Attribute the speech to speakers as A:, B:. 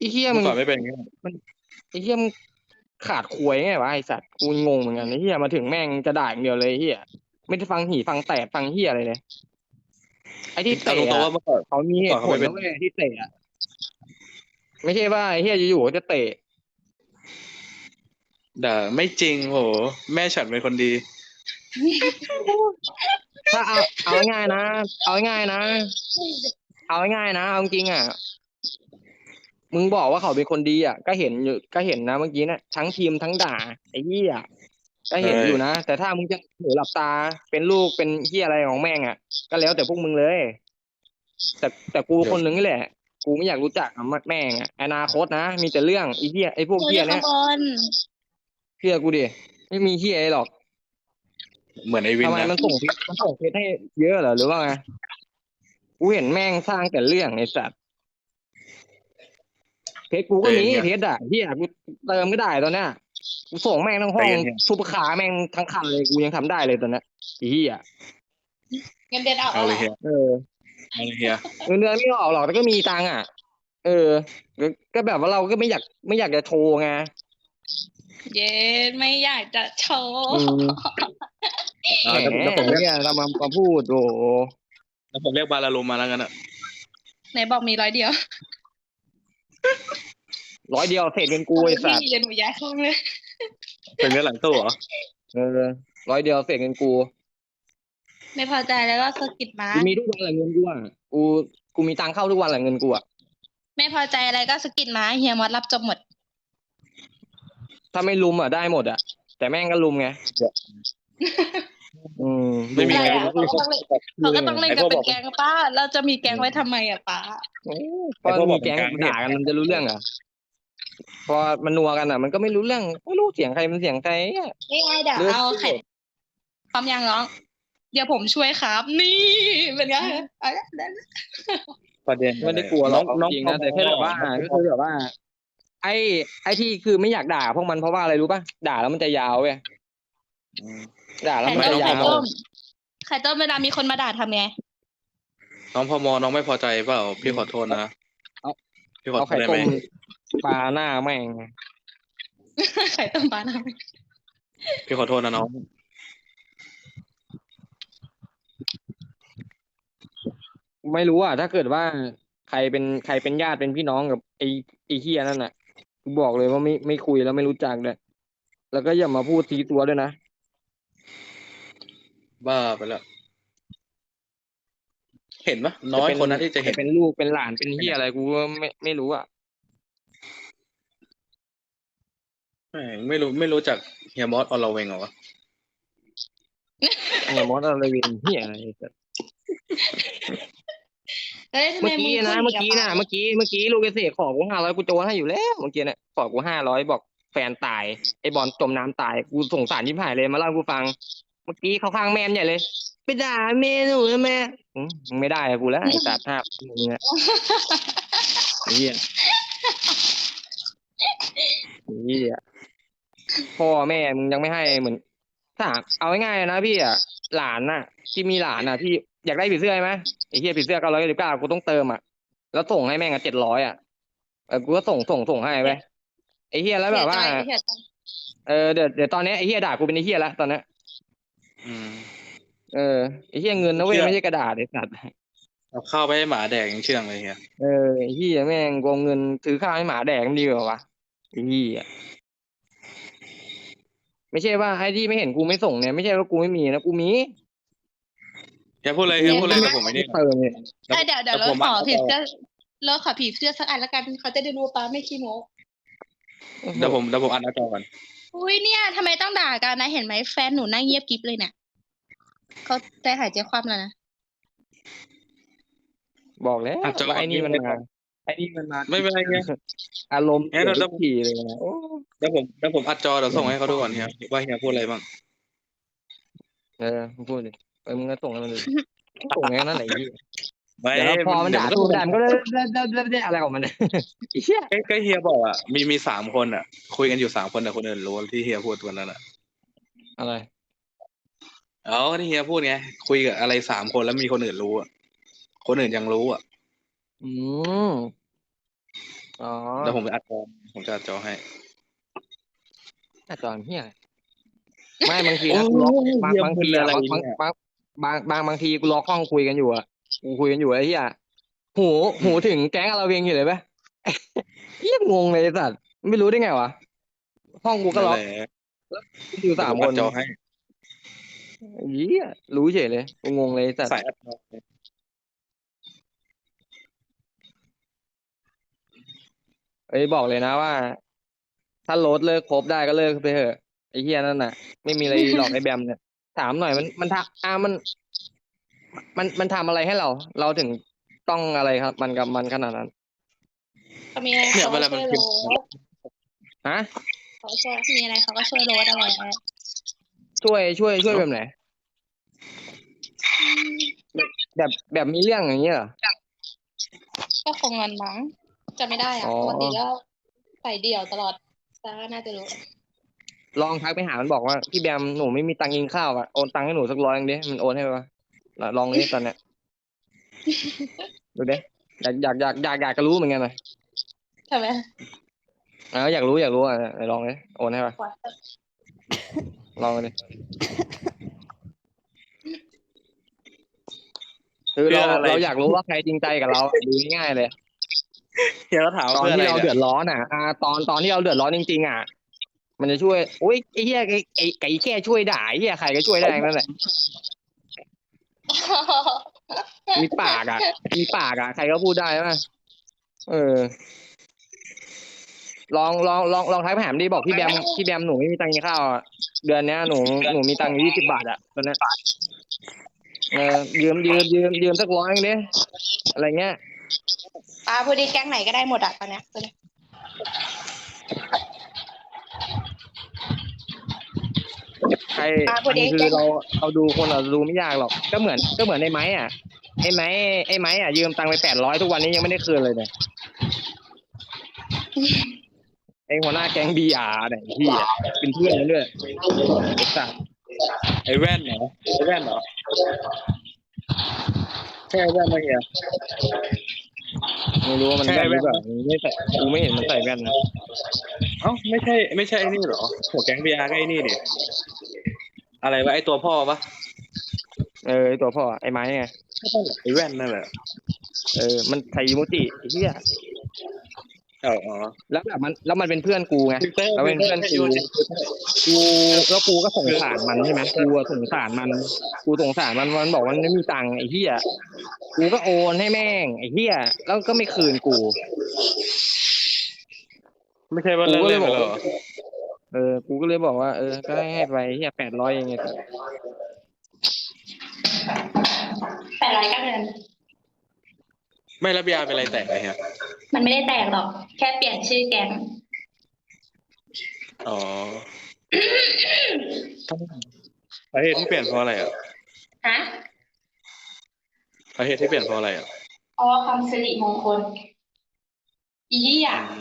A: ไอ้เหี้ยมึง
B: เมื่อก่อนไม่เป็นอย่างนี้
A: มันไอ้เหี้ยมึงขาดควยไงวะไอ้สัตว์กูงงเหมือนกันไอ้เหี้ยมาถึงแม่งจะด่าอย่างเดียวเลยไอ้เหี้ยไม่ได้ฟังหีฟังแตกฟังเหี้ยอะไรเลยไอ้ที่
B: เอา
A: เตะ
B: ตรงๆ
A: อ่ะ
B: ว่าเมื่อก่อน
A: เขามีเหตุผ
B: เขาไม่เป็น
A: ลนะเว้ยที่เตะอ่ะไม่ใช่ว่าไอ้เหี้ยอยู่ๆก็จะเตะ
B: ด่าไม่จริงโหแม่ฉันเป็นคนดี
A: ถ้าเอาง่ายๆนะเอาง่ายๆนะเอาง่ายๆนะเอาจริงๆอ่ะมึงบอกว่าเขาเป็นคนดีอ่ะก็เห็นอยู่ก็เห็นนะเมื่อกี้นะทั้งทีมทั้งด่าไอ้เหี้ยก็เห็น
B: ใช่
A: อยู่นะแต่ถ้ามึงจะหูหลับตาเป็นลูกเป็นเหี้ยอะไรของแม่งอ่ะก็แล้วแต่พวกมึงเลยแต่กู
B: เดี๋ยว
A: คนหนึ่งนี่แหละกูไม่อยากรู้จักอ่ะแม่งอ่ะอนาคตนะมีแต่เรื่องไอ้เหี้ยไอ้พวก
C: หนู
A: เหี้ยเนี้ย
C: อยู่ข้างบน
A: เชื่อกูดิไม่มีเหี้ยอะไรหรอก
B: เหมือนไอวิ
A: ทำไม
B: นนะ
A: มันส่งเพชรให้เยอะเหรอหรือว่าไงกูเห็นแม่งสร้างแต่เรื่องไอ้สัตว์ เพชรกูก็มี
B: ใจเย็นเฮีย
A: เพชรอ่ะเฮียกูเติมก็ได้ตอนเนี้ยกูส่งแม่งทั้งห้อง
B: ใจเย็นเฮีย
A: ซุปเปอร์คาร์แม่งทั้งคันเลยกูยังทำได้เลยตอนเนี้ยไอ้เฮีย
C: เงินเดือนออกแล้วเหรอ
B: เอาเลยเฮีย
A: เออ
B: เอาเลยเฮีย
A: เงินเดือนไม่ออกหรอกแต่ก็มีตังค์อ่ะเออก็แบบว่าเราก็ไม่อยากจะโชว์ไง
C: เย็นไม่อยากจะโช
A: อื
C: ว์
A: ม
B: เอา
A: แหม
B: แล้วผมเรียก
A: เนี่ยเรามาพูดโอ้โห
B: แล้วผมเรียกบาลาลูมาแล้วกันอะ
C: ไหนบอกมี100 เดียว
A: 100 เดียวเศษเงินกู
C: ตอน
A: ไอ้
C: นี้
A: สัตว์
C: พี่เรียนหนูย้ายห้องเลย
B: เป็นเนื้อหลังตู้เหรอ
A: เออ100 เดียวเศษเงินกู
C: ไม่พอใจแล้วก็สะกิดมา
A: กูมีทุกวันแหละเงินกูอ่ะกูมีตังค์เข้าทุกวันแหละเงินกูอ่ะ
C: ไม่พอใจอะไรก็สะกิดมาเฮียมอสรับจบหมด
A: ถ้าไม่ลุมอ่ะได้หมดอ่ะแต่แม่งก็ลุมไงอืม
B: ไม่มี
C: อะไร
B: ใคร
C: อ่ะเขาก็ต้องเล่นเขาก็ต้องเล่นกันเป็นแก๊งป้าเราจะมีแก๊งไว้ทำไมอ่ะป้า
A: พอ
B: ไอพวกบ
A: มี
B: อกเป็นกลางไม่เห็น
A: แก๊งด่ากันมันจะรู้เรื่องเหรอพอมันนัวกันอ่ะมันก็ไม่รู้เรื่องไม่รู้เสียงใครมันเสียงใครอ่ะ
C: นี่ไงเดี๋ยว
A: เรื่อง
C: เอาไข่พร้อมยังน้องเดี๋ยวผมช่วยครับ นี่เป็นไงเอาละได้ละ
B: ประเด็นอะไร
A: ไม่ได้กลัวหร
B: น้
A: อก
B: องน้อง
A: เอาจริง
B: พม
A: นะแต่แค่แบบว่า
B: น้องพม
A: ก็คือแบบว่าไอ้ไอ้ที่คือไม่อยากด่าพวกมันเพราะว่าอะไรรู้ป่ะด่าแล้วมันจะยาวเว้ย
B: อืม
A: ด่าแล้ว
C: ไข่
A: มัน
C: ต้มไข่
A: จะยาว
C: ต้มไข่ต้มเวลามีคนมาด่าทำไง
B: น้องพมน้องไม่พอใจเปล่าพี่ขอโทษนะ
A: เอา
B: พี่ขอ
A: เอา
B: โทษได้ไหม
A: ไข่ต้มปลาหน้าแม่ง
C: ไข่ต้มปลาทำไง
B: พี่ขอโทษนะน้อง
A: ไม่รู้อ่ะถ้าเกิดว่าใครเป็นญาติเป็นพี่น้องกับไอ้เฮียนั่นน่ะกูบอกเลยว่าไม่คุยแล้วไม่รู้จักเลยแล้วก็อย่ามาพูดทีตัวด้วยนะ
B: บ้าไปแล้วเห็นปะน้
A: จะเป็น
B: อยคนนะที่จะ
A: จะ
B: เห็น
A: เป็นลูกเป็นหลานเป็นเฮียอะไรกูก็ไม่รู้อ่ะ
B: แม่งไม่รู้จักเฮียมอสออลเวงเหรอวะ
A: เนี่ยมอสอะไรเวนเฮียอะไรสัส
C: แล้วทำไม
A: เมื่อกี้
C: มึงพูด
A: นะ
C: อย่างนี้กับป้า
A: เมื่อกี้ลูกเกษตรขอกู500กูโจนให้อยู่แล้วเมื่อกี้เนี่ยขอกู500บอกแฟนตายไอ้บอลจมน้ำตายกูสงสารยิบหายเลยมาเล่าให้กูฟังเมื่อกี้เขาข้างแม่ใหญ่เลยไปด่าแม่หนูนะแม่มึงไม่ได้อะกูแล้วไอ้สัตว์5มึงเนี่ยไอ้เฮียไอ้เฮียพ่อแม่มึงยังไม่ให้เหมือนถ้าเอาง่ายๆนะพี่อ่ะหลานน่ะที่มีหลานน่ะที่อยากได้ผีเสื้อไหมไอ้เฮียผีเสื้อ999กูต้องเติมอ่ะแล้วส่งให้แม่ง700อ่ะกูก็ส่งให้ไปไอ้เฮียแล้ว
C: เสี
A: แบบว่า
C: ยใจเสียใจ
A: เดี๋ยวตอนนี้ไอ้เฮียด่ากูเป็นไอ้เฮียแล้วตอนนี้
B: อืม
A: เออไอ้เฮียเงินนะเว้ย
B: เชื่อ
A: ไม่ใช่กระดาษไอ้สัตว์
B: เอาข้าวไปให้หมาแดกยังเชื่องเลยเฮีย
A: ไอ้เฮียแม่งโกงเงินซื้อข้าวให้หมาแดกมันดีกว่าวะไอ้เฮียไม่ใช่ว่าไอ้ที่ไม่เห็นกูไม่ส่งเนี่ยไม่ใช่ว่ากูไม่มีนะกูมี
B: เฮียพูดเลย
A: กู
B: เฮียพูดเลย
A: ไม่
B: เดี๋ยวผมไม่นี่
A: เติมเนี่ย
C: เดี๋ยวเรา
B: ผม
C: ข
B: อ่านต่อ
C: อผีเสื้อเราขอผีเสื้อสักอันละกันเขาจะได้รู้ว่าป้าไม่ขี้โม้
B: เดี๋ยวผมอ่านหน้าจอก่อน
C: อุ้ยเนี่ยทำไมต้องด่ากันนะเห็นไหมแฟนหนูนั่งเงียบกิ๊บเลยเนี่ยเขาใจหายใจคว่ำแล้วนะ
A: บอกแล้ว
B: อ่านจอ
A: ว่า
B: ก่อนพี่ไม่ได้
A: ไอ้นี่มันมา
B: ไม่เป็นไรเฮีย
A: อารมณ์
B: เฮีย
A: เสียทุ
B: เดี๋ยว
A: กทีเลยนะโอ้
B: เดี๋ยวผมอัดจอเดี๋ยวส่งให้เขาดูก่อนเฮียว่าเฮียพูดอะไรบ้าง
A: มึงพูดดิมึงก็ส่งให้มันดูส่งแค่นั้นไหนยี่
B: ไม่
A: เดี๋ยวพอมัน
B: เดี๋ยว
A: ด่า
B: มันก็ส่ง
A: สู้ไม่ได้มันก็ได้อะไรของมันเนี่ยไอ้เหี้ย
B: ก็เฮียบอกอ่ะมี3 คนอ่ะคุยกันอยู่3 คนแต่คนอื่นรู้ที่เฮียพูดวันนั้นอ่ะ
A: อะไร
B: เอาที่เฮียพูดไงคุยกับอะไร3 คนแล้วมีคนอื่นรู้อ่ะคนอื่นยังรู้อ่ะ
A: อืมอ๋อ
B: เดี๋ยวผมจะอัดจอผมจะอัดจอให้
A: หน้าจอเฮียไม่บางที
B: โอ้
A: นะกูล็อกบาง
B: เฮีย
A: บางที
B: มึน
A: อ่ะ
B: อะไร
A: บาง
B: เนี่ย
A: บางทีกูล็อกห้องคุยกันอยู่อ่ะกูคุยกันอยู่ไอ้เหี้ยหูหูถึงแก๊งเราเองอยู่เลยปะ เหี้ยงงเลยไอ้สัตว์ไม่รู้ได้ไงวะห้องกูก็
B: นั่น
A: ล็อ
B: แห
A: ก
B: ละ
A: อยู่
B: เดี๋ยว
A: สา
B: ผม ม
A: ค
B: อั
A: น
B: ดจอให้
A: เหี้ยรู้เฉยเลยกูงงเลยไอ้สัตว์
B: สายอัดจอ
A: เอ้ยบอกเลยนะว่า ถ้าโรถเลิกคบได้ก็เลิกไปเถอะไอ้เหี้ยนั่นน่ะ ไม่มีอะไรหรอกไอ้แบมเนี่ยถามหน่อยมันทำมันทำอะไรให้เรา เราถึงต้องอะไรครับมันกับมันขนาดนั้น
C: เขามีอะไร
B: เนี่ย
C: เขา
B: เว
C: ก็
B: ลา
C: ช่
B: มั
C: วน ย
B: พิ
C: โร
B: มพ์
C: ส
A: ฮะ
C: เขาช่วยมีอะไรเขาก็ช่วยโรสอะไร
A: ช่วยแบบไหนแบบมีเรื่องอย่างเงี้ยเหรอ
C: ก็คงงอนมั้งจะไม่ได้
A: อ๋
C: อ่ะ
A: อ
C: ปกติก็ใส่เดี่ยวตลอดแต่ก็น่าจะรู้
A: ลองทักไปหามันบอกว่าพี่แบมหนูไม่มีตังค์กินข้าวอ่ะโอนตังค์ให้หนูสัก100ดิมันโอนให้ปะลองดิตอนเนี้ยดูดิอยากจะรู้เหมือนกันนะ
C: ใช่ไหม
A: อยากรู้อ่ะไหนลองดิโอนให้ปะลองดิคือเราอยากรู้ว่าใครจริงใจกับเราอะดูง่ายๆเลย
B: เฮียก็ถาม
A: ตอน
B: เพื่ออะ
A: ที่
B: ไร
A: เรา
B: เนี่
A: เดื
B: ย
A: อดร้อนอ่ะตอนที่เราเดือดร้อนจริงๆอ่ะ มันจะช่วยโอ้ยไอ้เหี้ยไก่แค่ช่วยด่าไอ้เหี้ยใครก็ช่วยได้ทั้งนั่นแหละมีปากอ่ะใครก็พูดได้ไหมเออ ลองทักไปหาดิบอกพี่แบมหนูไม่มีตังค์กินข้าวอะเดือนเนี้ยหนูมีตังค์อยู่20 บาทอ่ะตอนเนี้ยยืมสัก100ดิอะไรเงี้ย
C: ป้าพูดดิแก๊งไหนก็ได้หมดอ่ะตอนเนี้ย
A: ใคร
C: ป้าพูดดิ
A: คือเราดูคนเราดูไม่ยากหรอกก็เหมือนไอ้ไม้อ่ะไอ้ไม้อ่ะยืมตังค์ไป800ทุกวันนี้ยังไม่ได้คืนเลยเนี่ยไอ้หัวหน้าแก๊งBRเนี่ยพี่อ่ะเป็นเพื่อนกันด้วยไอ้สัส
B: ไอ้แว่นเหรอไอ้แว่นเหรอใช่ไอ้แว่นไหมเฮีย
A: ไม่รู้ว่ามัน
B: ใช่
A: แว่นหรือเปล่า
B: แว่นไหม
A: ไม่ใส่กูไม่เห็นมันใส่แว่นนะ
B: เอ้าไม่ใช่ไอ้นี่เหรอหัวแก๊งบีอาร์ก็ไอ้นี่ดิอะไรวะไอ้ตัวพ่อปะ
A: ไอ้ตัวพ่อไอ้ไม้ไง
B: ไม่ใช่เหรอไอ้แว่นนั่นแหละ
A: มันใส่อีโมจิไอ้เหี้ย
B: อ๋อ
A: แล้วแบบมันเป็นเพื่อนกูไง
B: ฟิลเตอร์
A: แล้วเป็นเพื่อนกูแล้วกูก็สงสารมันใช่ไหมกูอะสงสารมันมันบอกว่ามันไม่มีตังค์ไอ้เหี้ยกูก็โอนให้แม่งไอ้เหี้ยแล้วก็ไม่คืนกู
B: ไม่ใช่ว่าเล่นๆไปแล้วเหรอ
A: กูก็เลยบอกว่าก็ให้ไปเหี้ย800เองไง
C: 800ก็เงิน
B: ไม่แล้วบีอาร์เป็นอะไรแตกไงเฮีย
C: มันไม่ได้แตกหรอก แค่เปลี่ยนชื่อแก๊ง
B: อ๋อสาเหตุที่เปลี่ยนเพราะอะไรอ่ะ
C: ฮะ
B: สาเหตุที่เปลี่ยนเพราะอะไรอ่ะ
C: เพราะว่าความสิริมงคล อีเหี้ย